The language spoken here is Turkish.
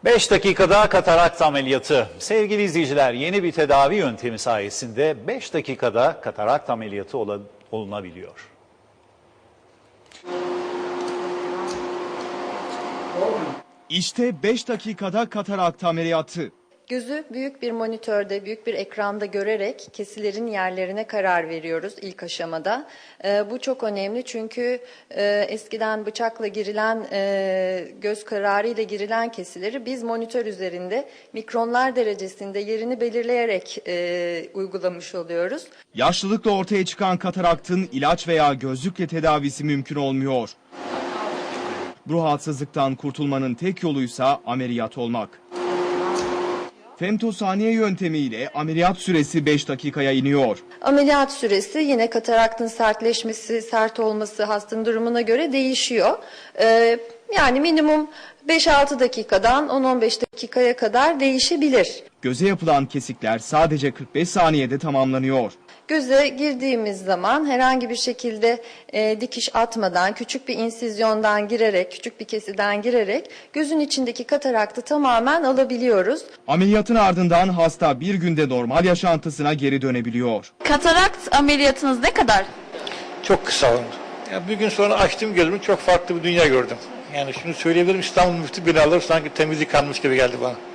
5 dakikada katarakt ameliyatı. Sevgili izleyiciler, yeni bir tedavi yöntemi sayesinde 5 dakikada katarakt ameliyatı olunabiliyor. İşte 5 dakikada katarakt ameliyatı. Gözü büyük bir monitörde, büyük bir ekranda görerek kesilerin yerlerine karar veriyoruz ilk aşamada. Bu çok önemli çünkü eskiden bıçakla girilen, göz kararıyla girilen kesileri biz monitör üzerinde mikronlar derecesinde yerini belirleyerek uygulamış oluyoruz. Yaşlılıkla ortaya çıkan kataraktın ilaç veya gözlükle tedavisi mümkün olmuyor. Bu rahatsızlıktan kurtulmanın tek yoluysa ameliyat olmak. Femtosaniye yöntemiyle ameliyat süresi 5 dakikaya iniyor. Ameliyat süresi yine kataraktın sertleşmesi, sert olması hastanın durumuna göre değişiyor. Yani minimum 5-6 dakikadan 10-15 dakikaya kadar değişebilir. Göze yapılan kesikler sadece 45 saniyede tamamlanıyor. Göze girdiğimiz zaman herhangi bir şekilde dikiş atmadan, küçük bir insizyondan girerek, küçük bir kesiden girerek gözün içindeki kataraktı tamamen alabiliyoruz. Ameliyatın ardından hasta bir günde normal yaşantısına geri dönebiliyor. Katarakt ameliyatınız ne kadar? Çok kısa oldu. Ya bir gün sonra açtım gözümü, çok farklı bir dünya gördüm. Yani şunu söyleyebilirim, İstanbul müftü binaları sanki temiz yıkanmış gibi geldi bana.